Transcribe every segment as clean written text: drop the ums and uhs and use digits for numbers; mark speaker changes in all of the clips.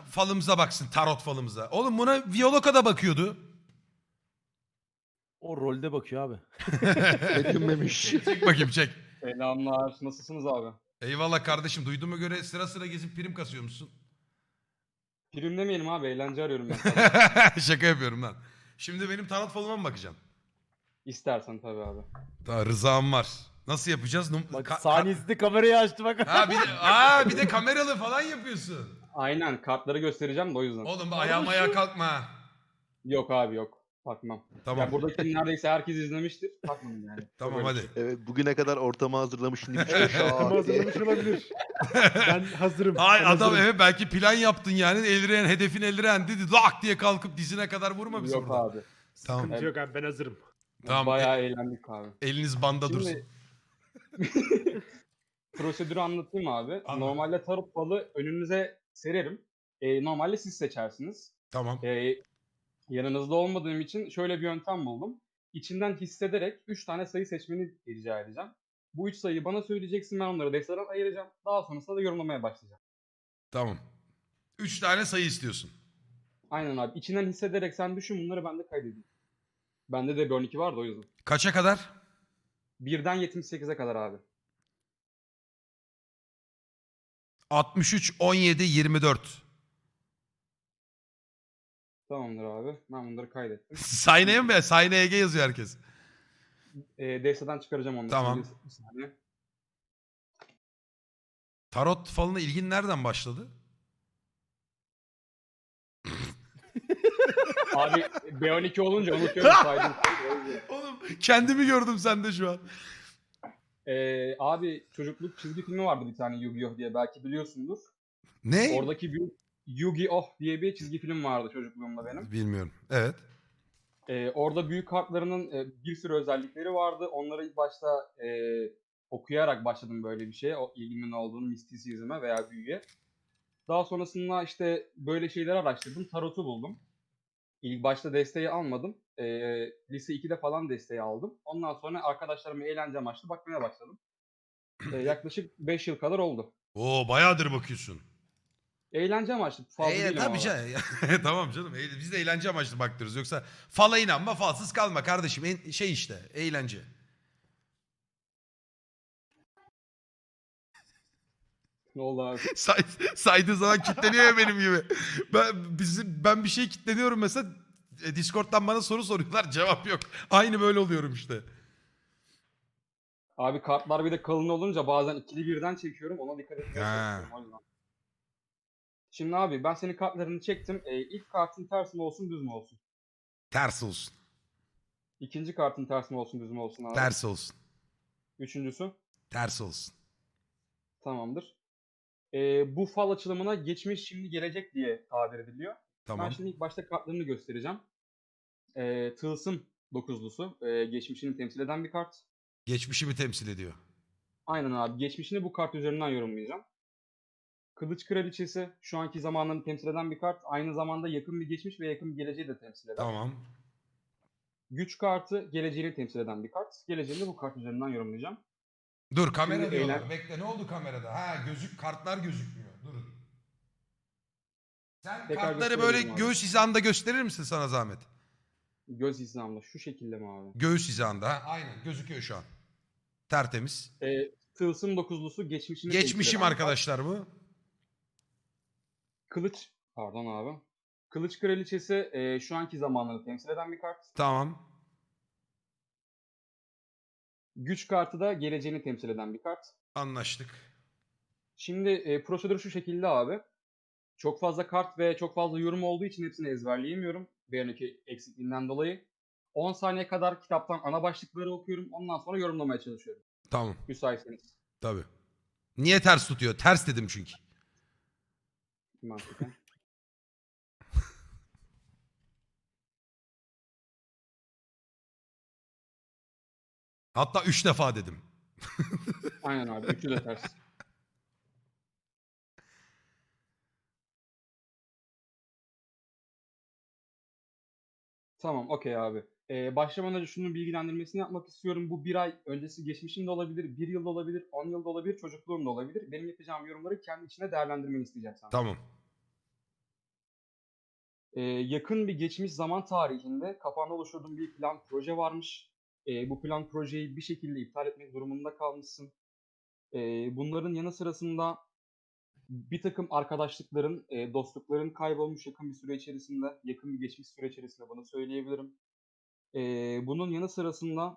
Speaker 1: falımıza baksın, tarot falımıza. Oğlum buna Viyoloka da bakıyordu.
Speaker 2: O rolde bakıyor abi.
Speaker 3: Edinmemiş.
Speaker 1: Çek bakayım çek.
Speaker 4: Selamlar. Nasılsınız abi?
Speaker 1: Eyvallah kardeşim. Duyduğuma göre sıra sıra gezip prim kasıyor musun?
Speaker 4: Prim demeyelim abi. Eğlence arıyorum ben sana.
Speaker 1: Şaka yapıyorum lan. Şimdi benim tarot falıma mı bakacaksın?
Speaker 4: İstersen tabii abi.
Speaker 1: Daha rızam var. Nasıl yapacağız?
Speaker 2: Bak saniyesinde kamerayı açtı bak.
Speaker 1: Bir de kameralı falan yapıyorsun.
Speaker 4: Aynen. Kartları göstereceğim de o yüzden.
Speaker 1: Oğlum ayağım ayağa kalkma ha.
Speaker 4: Yok abi yok. Bakmam.
Speaker 1: Tamam.
Speaker 4: Ya buradaki neredeyse herkes izlemiştir. Bakmadım yani.
Speaker 1: Tamam
Speaker 4: Çok öyle
Speaker 1: hadi.
Speaker 3: Evet, bugüne kadar ortamı hazırlamış, şimdi bir şey
Speaker 5: Evet,
Speaker 3: şak
Speaker 5: ortamı
Speaker 3: diye.
Speaker 5: hazırlamış olabilir. Ben hazırım.
Speaker 1: Ay
Speaker 5: ben
Speaker 1: adam
Speaker 5: hazırım.
Speaker 1: evet belki plan yaptın yani. Eldiren hedefin eldiren dedi. Lak diye kalkıp dizine kadar vurma bizi
Speaker 4: Yok
Speaker 1: burada.
Speaker 4: abi.
Speaker 1: Tamam.
Speaker 5: Sıkıntı yok abi, ben hazırım.
Speaker 1: Tamam.
Speaker 4: Bayağı eğlendik abi.
Speaker 1: Eliniz banda dursun.
Speaker 4: Şimdi prosedürü anlatayım abi.
Speaker 1: Anlat.
Speaker 4: Normalde tarot falı önünüze sererim. Normalde siz seçersiniz.
Speaker 1: Tamam.
Speaker 4: Yanınızda olmadığım için şöyle bir yöntem buldum. İçinden hissederek 3 tane sayı seçmeni rica edeceğim. Bu 3 sayıyı bana söyleyeceksin, ben onları desteden ayıracağım. Daha sonrasında da yorumlamaya başlayacağım.
Speaker 1: Tamam. 3 tane sayı istiyorsun.
Speaker 4: Aynen abi. İçinden hissederek sen düşün, bunları ben de kaydedeyim. Bende de bir 12 vardı o yüzden.
Speaker 1: Kaça kadar?
Speaker 4: 1'den 78'e kadar abi.
Speaker 1: 63, 17, 24.
Speaker 4: Tamamdır abi. Ben bunları kaydettim.
Speaker 1: Sahneye mi? Sahneye Ege yazıyor herkes.
Speaker 4: Desteden çıkaracağım onları.
Speaker 1: Tamam.
Speaker 4: Şimdi bir saniye.
Speaker 1: Tarot falına ilgin nereden başladı?
Speaker 4: Abi B12 olunca unutuyorum saydım.
Speaker 1: Oğlum kendimi gördüm sende şu an.
Speaker 4: Abi çocukluk çizgi filmi vardı bir tane, Yu-Gi-Oh diye, belki biliyorsundur.
Speaker 1: Ne?
Speaker 4: Oradaki bir Yu-Gi-Oh diye bir çizgi film vardı çocukluğumda benim.
Speaker 1: Bilmiyorum. Evet.
Speaker 4: Orada büyük kartlarının bir sürü özellikleri vardı. Onları ilk başta okuyarak başladım böyle bir şeye. O ilgimin olduğunu, mistisizme veya büyüye. Daha sonrasında işte böyle şeyleri araştırdım. Tarot'u buldum. İlk başta desteği almadım. Lise 2'de falan desteği aldım. Ondan sonra arkadaşlarıma eğlence amaçlı bakmaya başladım. Yaklaşık 5 yıl kadar oldu.
Speaker 1: Oo bayağıdır bakıyorsun.
Speaker 4: Eğlence amaçlı. Fazla değil
Speaker 1: Tabii
Speaker 4: ama.
Speaker 1: canım. Tamam canım. Biz de eğlence amaçlı baktırırız. Yoksa fala inanma, falsız kalma kardeşim. Şey işte, eğlence.
Speaker 4: Ne oldu abi?
Speaker 1: Saydığı zaman kilitleniyor ya benim gibi. Ben bir şey kilitleniyorum mesela. Discord'dan bana soru soruyorlar. Cevap yok. Aynı böyle oluyorum işte.
Speaker 4: Abi kartlar bir de kalın olunca bazen ikili birden çekiyorum. Ona dikkat etmeye
Speaker 1: Ha.
Speaker 4: çalışıyorum o yüzden. Şimdi abi ben senin kartlarını çektim. İlk kartın ters mi olsun, düz mü olsun?
Speaker 1: Ters olsun.
Speaker 4: İkinci kartın ters mi olsun, düz mü olsun abi?
Speaker 1: Ters olsun.
Speaker 4: Üçüncüsü?
Speaker 1: Ters olsun.
Speaker 4: Tamamdır. Bu fal açılımına geçmiş, şimdi, gelecek diye tabir ediliyor.
Speaker 1: Tamam.
Speaker 4: Ben şimdi ilk başta kartlarını göstereceğim. Tılsım dokuzlusu. Geçmişini temsil eden bir kart.
Speaker 1: Geçmişimi temsil ediyor.
Speaker 4: Aynen abi. Geçmişini bu kart üzerinden yorumlayacağım. Kılıç Kraliçesi şu anki zamanlarını temsil eden bir kart. Aynı zamanda yakın bir geçmiş ve yakın bir geleceği de temsil eder.
Speaker 1: Tamam.
Speaker 4: Güç kartı geleceğini temsil eden bir kart. Geleceğini de bu kart üzerinden yorumlayacağım.
Speaker 1: Dur kamera
Speaker 4: Şimdi
Speaker 1: diyorlar. Bekle ne oldu kamerada? Ha kartlar gözükmüyor. Durun. Sen
Speaker 4: Tekrar
Speaker 1: kartları böyle
Speaker 4: gösterebilirim abi.
Speaker 1: göğüs hizanda gösterir misin sana zahmet?
Speaker 4: Göz hizamla şu şekilde mi abi?
Speaker 1: Göğüs hizanda. Ha? Aynen gözüküyor şu an. Tertemiz.
Speaker 4: Tılsım dokuzlusu geçmişini temsil
Speaker 1: Geçmişim
Speaker 4: eden bir
Speaker 1: arkadaşlar bu.
Speaker 4: kart. Pardon abi. Kılıç Kraliçesi şu anki zamanları temsil eden bir kart.
Speaker 1: Tamam.
Speaker 4: Güç kartı da geleceğini temsil eden bir kart.
Speaker 1: Anlaştık.
Speaker 4: Şimdi prosedür şu şekilde abi. Çok fazla kart ve çok fazla yorum olduğu için hepsini ezberleyemiyorum. Bir önceki eksikliğinden dolayı. 10 saniye kadar kitaptan ana başlıkları okuyorum. Ondan sonra yorumlamaya çalışıyorum.
Speaker 1: Tamam.
Speaker 4: Müsaitseniz.
Speaker 1: Tabii. Niye ters tutuyor? Ters dedim çünkü.
Speaker 4: Mantıken.
Speaker 1: Hatta 3 defa dedim.
Speaker 4: Aynen abi. Üçü de ters. Tamam, okey abi. Başlamadan önce şunun bilgilendirmesini yapmak istiyorum. Bu bir ay öncesi geçmişim de olabilir, bir yıl da olabilir, 10 yıl da olabilir, çocukluğum da olabilir. Benim yapacağım yorumları kendi içine değerlendirmeni isteyeceğim senden.
Speaker 1: Tamam.
Speaker 4: Yakın bir geçmiş zaman tarihinde kafanda oluşturduğun bir plan, proje varmış. Bu plan, projeyi bir şekilde iptal etmek durumunda kalmışsın. Bunların yanı sırasında bir takım arkadaşlıkların, dostlukların kaybolmuş yakın bir süre içerisinde, yakın bir geçmiş süre içerisinde bunu söyleyebilirim. Bunun yanı sırasında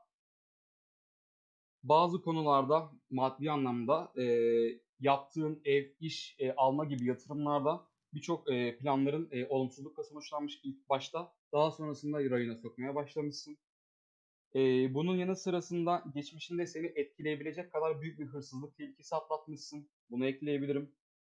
Speaker 4: bazı konularda maddi anlamda yaptığın ev, iş alma gibi yatırımlarda birçok planların olumsuzlukla sonuçlanmış ilk başta. Daha sonrasında rayına sokmaya başlamışsın. Bunun yanı sırasında geçmişinde seni etkileyebilecek kadar büyük bir hırsızlık tehlikesi atlatmışsın. Bunu ekleyebilirim.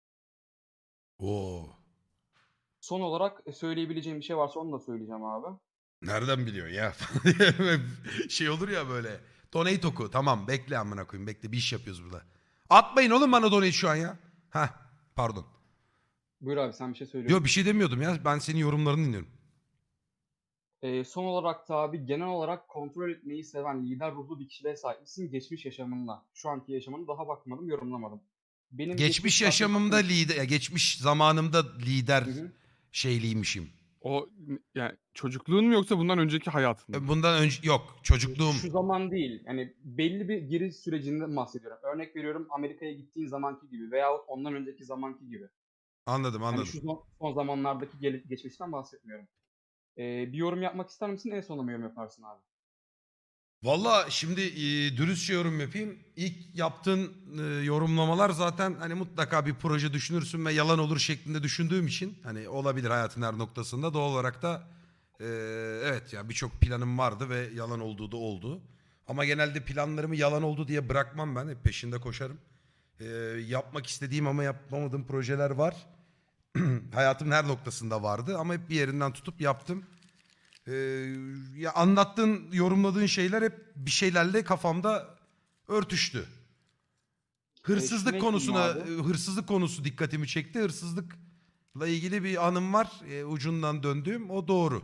Speaker 1: Oo.
Speaker 4: Son olarak söyleyebileceğim bir şey varsa onu da söyleyeceğim abi.
Speaker 1: Nereden biliyorsun ya? Şey olur ya böyle. Donate oku. Tamam bekle amına koyayım. Bekle bir iş yapıyoruz burada. Atmayın oğlum bana donate şu an ya. Heh pardon.
Speaker 4: Buyur abi, sen bir şey söylüyordun.
Speaker 1: Yok bir şey demiyordum ya. Ben senin yorumlarını dinliyorum.
Speaker 4: Son olarak da abi genel olarak kontrol etmeyi seven lider ruhlu bir kişiliğe sahipsin geçmiş yaşamınla. Şu anki yaşamını daha bakmadım, yorumlamadım. Benim
Speaker 1: Geçmiş yaşamımda lider, geçmiş zamanımda lider
Speaker 4: Hı hı.
Speaker 1: şeyliymişim.
Speaker 6: O yani çocukluğun mu yoksa bundan önceki hayatın mı?
Speaker 1: Bundan önce yok çocukluğum.
Speaker 4: Şu zaman değil. Yani belli bir giriş sürecinden bahsediyorum. Örnek veriyorum, Amerika'ya gittiğin zamanki gibi veyahut ondan önceki zamanki gibi.
Speaker 1: Anladım
Speaker 4: Hani
Speaker 1: anladım.
Speaker 4: şu son zamanlardaki geçmişten bahsetmiyorum. Bir yorum yapmak ister misin? En sonunda mı yorum yaparsın abi?
Speaker 1: Valla şimdi dürüstçe yorum yapayım. İlk yaptığın yorumlamalar zaten hani mutlaka bir proje düşünürsün ve yalan olur şeklinde düşündüğüm için hani olabilir hayatın her noktasında doğal olarak da evet ya birçok planım vardı ve yalan olduğu da oldu. Ama genelde planlarımı yalan oldu diye bırakmam ben hep peşinde koşarım. Yapmak istediğim ama yapamadığım projeler var. Hayatımın her noktasında vardı ama hep bir yerinden tutup yaptım. Ee, ya anlattığın, yorumladığın şeyler hep bir şeylerle kafamda örtüştü. Hırsızlık
Speaker 4: Şunu
Speaker 1: konusuna,
Speaker 4: ekleyeyim abi.
Speaker 1: hırsızlık konusu dikkatimi çekti. Hırsızlıkla ilgili bir anım var. Ucundan döndüğüm o doğru.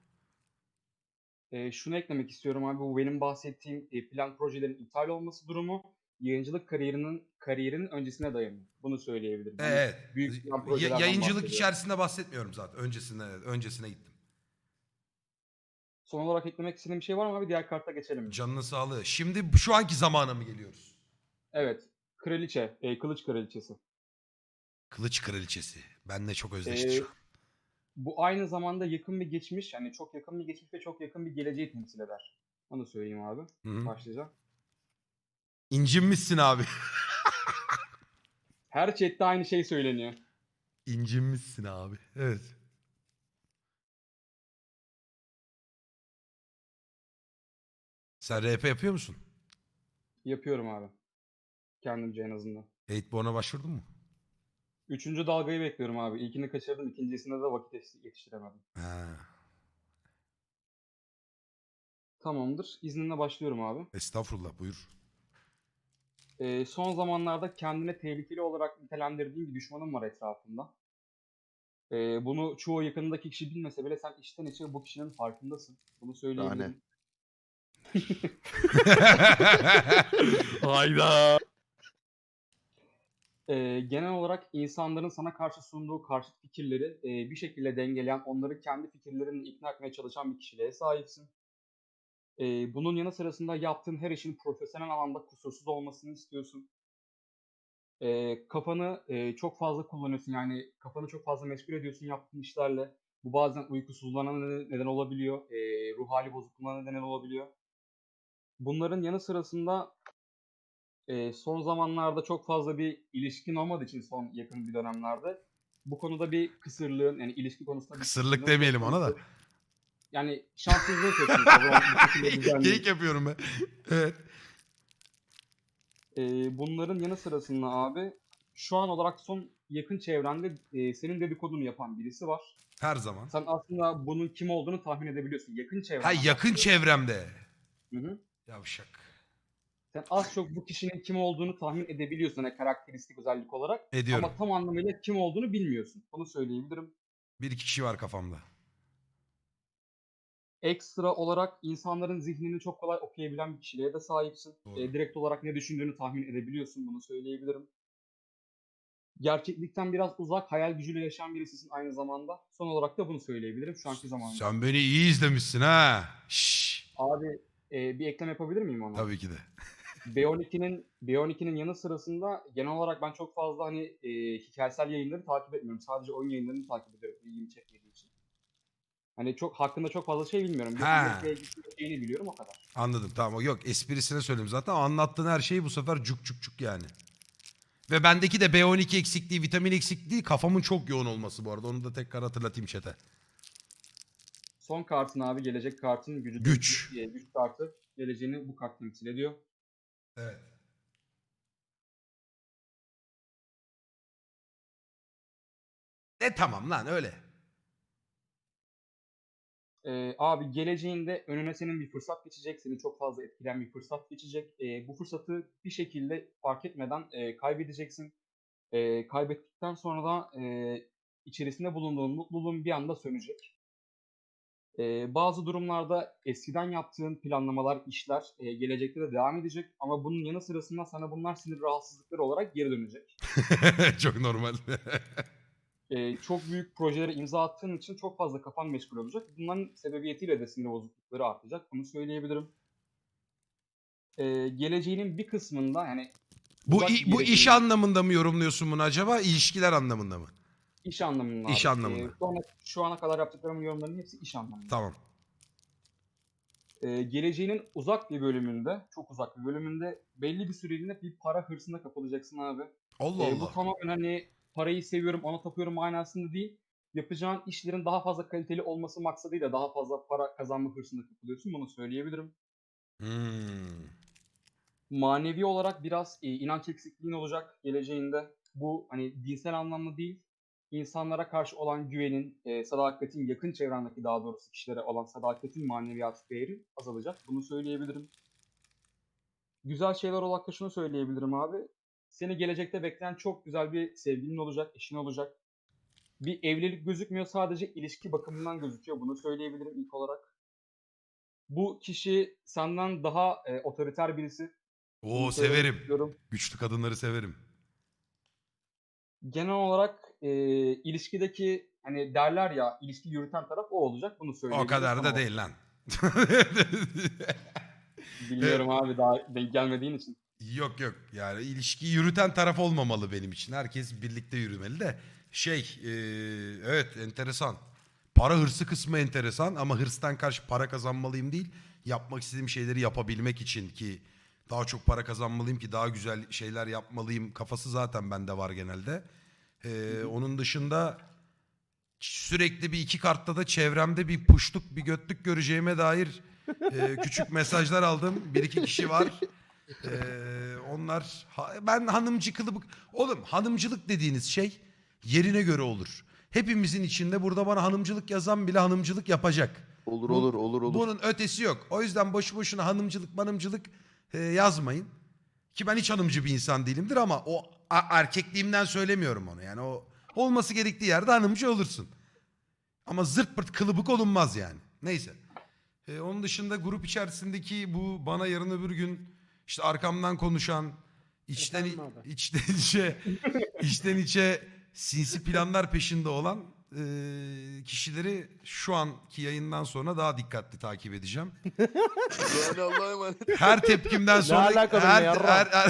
Speaker 4: Şunu eklemek istiyorum abi. Bu benim bahsettiğim plan projelerin iptal olması durumu yayıncılık kariyerinin öncesine dayanıyor. Bunu söyleyebilirim. Hani
Speaker 1: Evet.
Speaker 4: büyük plan projelerden
Speaker 1: Yayıncılık
Speaker 4: bahsediyorum.
Speaker 1: içerisinde bahsetmiyorum zaten. Öncesine gittim.
Speaker 4: Son olarak eklemek istediğim bir şey var mı abi? Diğer karta geçelim mi?
Speaker 1: Canının sağlığı. Şimdi şu anki zamana mı geliyoruz?
Speaker 4: Evet. Kraliçe. Kılıç Kraliçesi.
Speaker 1: Kılıç Kraliçesi. Benle çok özdeşti şu
Speaker 4: E,
Speaker 1: an.
Speaker 4: Bu aynı zamanda yakın bir geçmiş, yani çok yakın bir geçmiş ve çok yakın bir geleceği temsil eder. Onu söyleyeyim abi.
Speaker 1: Hı hı.
Speaker 4: Başlayacağım.
Speaker 1: İncinmişsin abi.
Speaker 4: Her chatte aynı şey söyleniyor.
Speaker 1: İncinmişsin abi. Evet. Sen RP yapıyor musun?
Speaker 4: Yapıyorum abi. Kendimce en azından.
Speaker 1: Eightborn'a başvurdun mu?
Speaker 4: Üçüncü dalgayı bekliyorum abi. İlkini kaçırdım. İkincisinde de vakit yetiştiremedim.
Speaker 1: Ha.
Speaker 4: Tamamdır. İzninle başlıyorum abi.
Speaker 1: Estağfurullah buyur.
Speaker 4: Son zamanlarda kendine tehlikeli olarak nitelendirdiğin bir düşmanın var etrafında. Bunu çoğu yakınındaki kişi bilmese bile sen içten içe bu kişinin farkındasın. Bunu söyleyebilirim.
Speaker 6: Hayda.
Speaker 4: Genel olarak insanların sana karşı sunduğu karşıt fikirleri bir şekilde dengeleyen, onları kendi fikirlerinle ikna etmeye çalışan bir kişiliğe sahipsin. Bunun yanı sırasında yaptığın her işin profesyonel alanda kusursuz olmasını istiyorsun. Kafanı çok fazla kullanıyorsun, yani kafanı çok fazla meşgul ediyorsun yaptığın işlerle. Bu bazen uykusuzluğuna neden olabiliyor, ruh hali bozukluğuna neden olabiliyor. Bunların yanı sırasında son zamanlarda çok fazla bir ilişkin olmadığı için son yakın bir dönemlerde bu konuda bir kısırlığın, yani ilişki konusunda bir
Speaker 1: Kısırlık
Speaker 4: kısırlığın söz
Speaker 1: demeyelim ona da.
Speaker 4: konusu. Yani şanssızlığın söz konusu. Bu şekilde düzenli.
Speaker 1: Geyik yapıyorum ben. Evet.
Speaker 4: Bunların yanı sırasında abi şu an olarak son yakın çevrende senin dedikodunu yapan birisi var.
Speaker 1: Her zaman.
Speaker 4: Sen aslında bunun kim olduğunu tahmin edebiliyorsun. Yakın
Speaker 1: Ha
Speaker 4: çevrenden
Speaker 1: yakın
Speaker 4: bahsediyorum.
Speaker 1: çevremde.
Speaker 4: Hı hı.
Speaker 1: Yavşak.
Speaker 4: Sen az çok bu kişinin kim olduğunu tahmin edebiliyorsun, hani karakteristik özellik olarak.
Speaker 1: Ediyorum.
Speaker 4: Ama tam anlamıyla kim olduğunu bilmiyorsun. Bunu söyleyebilirim.
Speaker 1: Bir iki kişi var kafamda.
Speaker 4: Ekstra olarak insanların zihnini çok kolay okuyabilen bir kişiliğe de sahipsin.
Speaker 1: Doğru.
Speaker 4: Direkt olarak ne düşündüğünü tahmin edebiliyorsun. Bunu söyleyebilirim. Gerçeklikten biraz uzak, hayal gücüyle yaşayan birisisin aynı zamanda. Son olarak da bunu söyleyebilirim şu anki zamanımda.
Speaker 1: Sen beni iyi izlemişsin ha. Şşş.
Speaker 4: Abi bir eklem yapabilir miyim ona?
Speaker 1: Tabii ki de.
Speaker 4: B12'nin yanı sırasında genel olarak ben çok fazla hani hikayesel yayınları takip etmiyorum. Sadece oyun yayınlarını takip ediyorum ilgimi çekmediği için. Hani hakkında çok fazla şey bilmiyorum.
Speaker 1: Ha.
Speaker 4: Şeyini biliyorum o kadar.
Speaker 1: Anladım tamam. Yok esprisine söyledim zaten. Anlattığın her şeyi bu sefer cuk cuk cuk yani. Ve bendeki de B12 eksikliği, vitamin eksikliği kafamın çok yoğun olması bu arada. Onu da tekrar hatırlatayım chat'e.
Speaker 4: Son kartın abi gelecek kartın gücü.
Speaker 1: Güç.
Speaker 4: Güç kartı geleceğini bu kart temsil ediyor.
Speaker 1: Evet. Tamam lan öyle.
Speaker 4: Abi geleceğinde önüne senin bir fırsat geçecek. Seni çok fazla etkileyen bir fırsat geçecek. Bu fırsatı bir şekilde fark etmeden kaybedeceksin. Kaybettikten sonra da içerisinde bulunduğun mutluluğun bir anda sönecek. Bazı durumlarda eskiden yaptığın planlamalar, işler gelecekte de devam edecek. Ama bunun yanı sırasında sana bunlar sinir rahatsızlıkları olarak geri dönecek.
Speaker 1: Çok normal.
Speaker 4: Çok büyük projelere imza attığın için çok fazla kafan meşgul olacak. Bunların sebebiyetiyle de sinir bozuklukları artacak. Bunu söyleyebilirim. Geleceğinin bir kısmında yani
Speaker 1: Bu
Speaker 4: uzak bir
Speaker 1: bu
Speaker 4: geleceğin-
Speaker 1: iş anlamında mı yorumluyorsun bunu acaba? İlişkiler anlamında mı?
Speaker 4: iş anlamında.
Speaker 1: İş
Speaker 4: abi.
Speaker 1: anlamında.
Speaker 4: Şu ana kadar yaptıklarımın yorumlarının hepsi iş anlamında.
Speaker 1: Tamam.
Speaker 4: Geleceğinin uzak bir bölümünde, çok uzak bir bölümünde belli bir süreliğine bir para hırsına kapılacaksın abi.
Speaker 1: Allah
Speaker 4: Bu
Speaker 1: Allah.
Speaker 4: tamamen hani parayı seviyorum, ona tapıyorum manasında değil. Yapacağın işlerin daha fazla kaliteli olması maksadıyla daha fazla para kazanma hırsına kapılıyorsun. Bunu söyleyebilirim.
Speaker 1: Hmm.
Speaker 4: Manevi olarak biraz inanç eksikliğin olacak geleceğinde. Bu hani dinsel anlamda değil, insanlara karşı olan güvenin, sadakatin, yakın çevrendeki daha doğrusu kişilere olan sadakatin maneviyat değeri azalacak. Bunu söyleyebilirim. Güzel şeyler olarak da şunu söyleyebilirim abi. Seni gelecekte bekleyen çok güzel bir sevgilin olacak, eşin olacak. Bir evlilik gözükmüyor, sadece ilişki bakımından gözüküyor. Bunu söyleyebilirim ilk olarak. Bu kişi senden daha otoriter birisi.
Speaker 1: Oo
Speaker 4: Bunu söylemek
Speaker 1: severim.
Speaker 4: istiyorum.
Speaker 1: Güçlü kadınları severim.
Speaker 4: Genel olarak ilişkideki hani derler ya ilişki yürüten taraf o olacak. Bunu
Speaker 1: O
Speaker 4: söyleyebilirim.
Speaker 1: kadar da
Speaker 4: Tamam.
Speaker 1: değil lan.
Speaker 4: Biliyorum abi daha denk gelmediğin için.
Speaker 1: Yok yok yani ilişkiyi yürüten taraf olmamalı benim için. Herkes birlikte yürümeli de. Evet enteresan. Para hırsı kısmı enteresan ama hırstan karşı para kazanmalıyım değil. Yapmak istediğim şeyleri yapabilmek için ki daha çok para kazanmalıyım ki daha güzel şeyler yapmalıyım kafası zaten bende var genelde. Onun dışında sürekli bir iki kartta da çevremde bir puşluk bir götlük göreceğime dair küçük mesajlar aldım. Bir iki kişi var. Ben hanımcı kılıbık. Oğlum hanımcılık dediğiniz şey yerine göre olur. Hepimizin içinde burada bana hanımcılık yazan bile hanımcılık yapacak.
Speaker 3: Olur
Speaker 1: Bu-
Speaker 3: olur olur olur.
Speaker 1: Bunun ötesi yok. O yüzden boşu boşuna hanımcılık yazmayın. Ki ben hiç hanımcı bir insan değilimdir ama o erkekliğimden söylemiyorum onu. Yani o olması gerektiği yerde hanımcı olursun. Ama zırt pırt kılıbık olunmaz yani. Neyse. Onun dışında grup içerisindeki bu bana yarın öbür gün işte arkamdan konuşan
Speaker 5: Efendim abi?
Speaker 1: içten içe sinsi planlar peşinde olan kişileri şu anki yayından sonra daha dikkatli takip edeceğim.
Speaker 3: Yani Allah'a emanet.
Speaker 1: Her tepkimden sonra
Speaker 2: alaka benimle yarram?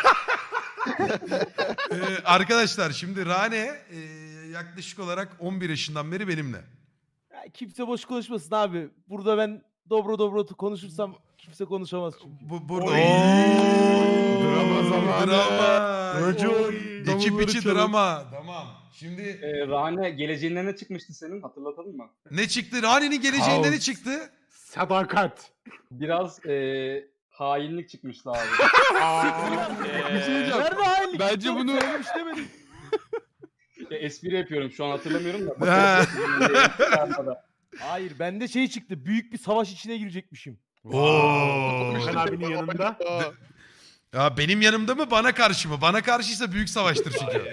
Speaker 1: Arkadaşlar şimdi Rane yaklaşık olarak 11 yaşından beri benimle.
Speaker 2: Ya kimse boş konuşmasın abi. Burada ben dobro konuşursam kimse konuşamaz çünkü.
Speaker 1: Burada
Speaker 5: Oy!
Speaker 1: drama
Speaker 5: zamanı.
Speaker 1: drama.
Speaker 5: Racon,
Speaker 1: Ekip
Speaker 5: davulları
Speaker 1: içi
Speaker 5: çalın.
Speaker 1: drama. Tamam. Şimdi
Speaker 4: Rane geleceğinden ne çıkmıştı senin hatırlatalım mı?
Speaker 1: ne çıktı? Rane'nin geleceğinde ne
Speaker 5: Kaos.
Speaker 1: çıktı?
Speaker 5: Sadakat.
Speaker 4: Biraz hainlik çıkmıştı abi.
Speaker 6: Bir şey diyeceğim.
Speaker 2: Nerede hainlik?
Speaker 6: Bence
Speaker 2: Yok,
Speaker 6: bunu-
Speaker 2: söylemiş demedim.
Speaker 4: Espri yapıyorum şu an hatırlamıyorum da.
Speaker 1: Ha.
Speaker 2: Hayır bende şey çıktı. Büyük bir savaş içine girecekmişim.
Speaker 1: Oo.
Speaker 5: Gökhan abinin yanında.
Speaker 1: Ya benim yanımda mı bana karşı mı? Bana karşıysa büyük savaştır çünkü.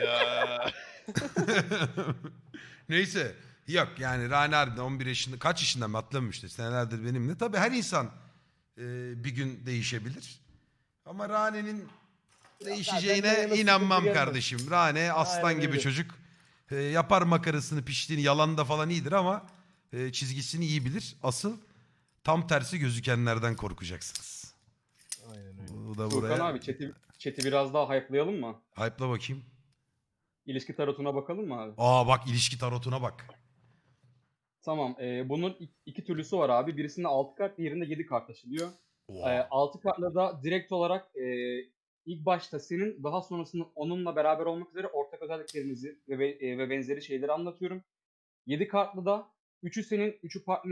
Speaker 1: Neyse. Yok yani Rane harbiden 11 yaşında kaç yaşında mı hatırlamıyorum işte senelerdir benimle. Tabii her insan bir gün değişebilir. Ama Rane'nin Değişeceğine
Speaker 2: Benden yana
Speaker 1: inanmam
Speaker 2: sıkıntı gelmez.
Speaker 1: kardeşim. Rane aslan
Speaker 2: Aynen
Speaker 1: gibi
Speaker 2: öyle.
Speaker 1: çocuk. Yapar makarasını piştiğini yalan da falan iyidir ama çizgisini iyi bilir. Asıl tam tersi gözükenlerden korkacaksınız.
Speaker 2: Aynen öyle.
Speaker 1: Bu da
Speaker 4: Furkan
Speaker 1: buraya.
Speaker 4: abi chat'i biraz daha hype'layalım mı?
Speaker 1: Hype'la bakayım.
Speaker 4: İlişki tarotuna bakalım mı abi?
Speaker 1: Aa bak ilişki tarotuna bak.
Speaker 4: Tamam. Bunun iki türlüsü var abi. Birisinde 6 kart, diğerinde 7 kart taşınıyor.
Speaker 1: Oha.
Speaker 4: 6 kartla da direkt olarak ilk başta senin, daha sonrasında onunla beraber olmak üzere ortak özelliklerinizi ve benzeri şeyleri anlatıyorum. 7 kartlı da 3'ü senin, 3'ü partner